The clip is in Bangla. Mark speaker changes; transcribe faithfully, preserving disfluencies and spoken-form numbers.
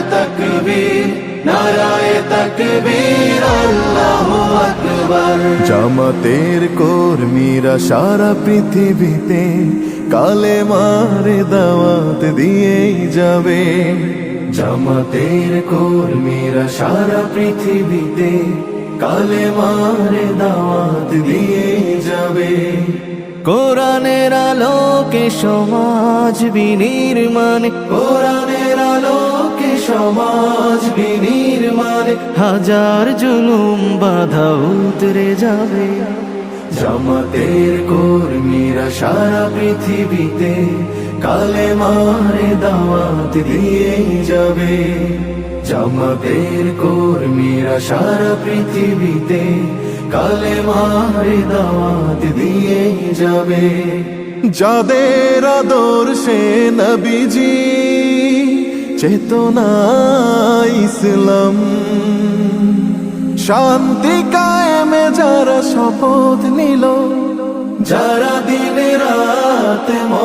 Speaker 1: তাকবীর নারায়ে তাকবীর আল্লাহু আকবার।
Speaker 2: জামাতের কর্মীরা সারা পৃথিবীতে কালেমার দাওয়াত দিয়েই যাবে। জামাতের কর্মীরা সারা পৃথিবীতে কালেমার দাওয়াত দিয়েই যাবে। কোরআনের আলোকে সমাজ বিনির্মাণ, কোরআনের আলোকে সমাজ বিনির্মাণ, হাজার জুলুম বাধা উতরে যাবে। জামাতের কর্মীরা সারা পৃথিবীতে কালেমার দাওয়াত দিয়েই যাবে। জামাতের কর্মীরা সারা পৃথিবীতে কালেমার দাওয়াত দিয়েই যাবে। যাদের আদর্শে নবীজি চেতনা ইসলাম, শান্তি কায়েমে যারা শপথ নিল,